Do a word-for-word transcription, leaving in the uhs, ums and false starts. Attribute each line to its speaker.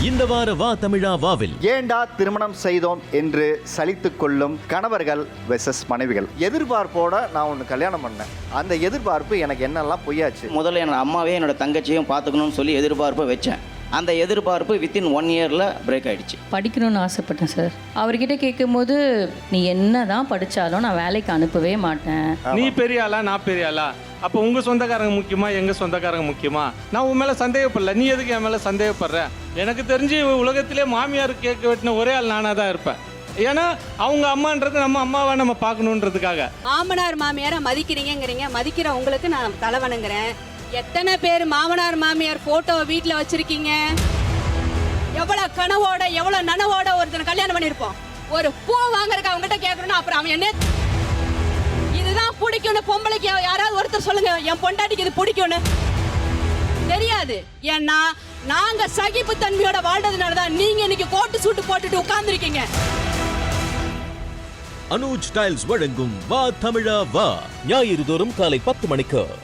Speaker 1: இந்த வார வா தமிழா வாவில்
Speaker 2: ஏண்டா திருமணம் செய்தோம் என்று சலித்துக் கொள்ளும் கணவர்கள் வெர்சஸ் மனைவிகள். எதிர்பார்ப்போட நான் ஒன்று கல்யாணம் பண்ணேன். அந்த எதிர்பார்ப்பு எனக்கு என்னெல்லாம் பொய்யாச்சு.
Speaker 3: முதல்ல என்னோட அம்மாவே என்னோட தங்கச்சியும் பார்த்துக்கணும்னு சொல்லி எதிர்பார்ப்பை வச்சேன். அந்த எதிர்பார்ப்பு வித்தின் ஒன் இயரில் பிரேக் ஆகிடுச்சு.
Speaker 4: படிக்கணும்னு ஆசைப்பட்டேன் சார். அவர்கிட்ட கேட்கும்போது நீ என்ன தான் படித்தாலும் நான் வேலைக்கு அனுப்பவே மாட்டேன்.
Speaker 5: நீ பெரிய ஆளா நான் பெரிய ஆளா, அப்போ உங்கள் சொந்தக்காரங்க முக்கியமா எங்கள் சொந்தக்காரங்க முக்கியமா? நான் உன் மேலே சந்தேகப்படல, நீ எதுக்கு என் மேலே சந்தேகப்படுற? எனக்கு தெரிஞ்சு உலகத்திலே மாமியார் கேட்க வெட்டின ஒரே ஆள் நானாக தான் இருப்பேன். ஏன்னா அவங்க அம்மான்றது நம்ம அம்மாவை நம்ம பார்க்கணுன்றதுக்காக.
Speaker 6: மாமனார் மாமியாரை மதிக்கிறீங்கிறீங்க, மதிக்கிற உங்களுக்கு நான் தலைவணங்குறேன். எத்தனை பேர் மாமனார் மாமியார் போட்டோ வீட்டில் வச்சிருக்கீங்க? எவ்வளவு கனவோட எவ்வளவு நனவோட ஒருத்தனை கல்யாணம் பண்ணிருப்போம். ஒரு பூ வாங்குறதுக்கு அவங்ககிட்ட கேட்கணும், அப்புறம் அவன் என்ன இதுதான் பிடிக்கும்னு பொம்பளைக்கு யாராவது ஒருத்தர் சொல்லுங்க, என் பொண்டாட்டிக்கு இது பிடிக்கும்னு. தெரியாது. ஏன்னா நாங்க சகிப்பு தன்மையோட வாழ்றதுனாலதான் நீங்க இன்னைக்கு கோட்டு சூட்டு போட்டுட்டு உட்கார்ந்துருக்கீங்க.
Speaker 1: அனுஜ் டைல்ஸ் வழங்கும் வா தமிழா வா ஞாயிறு தோறும் காலை பத்து மணிக்கு.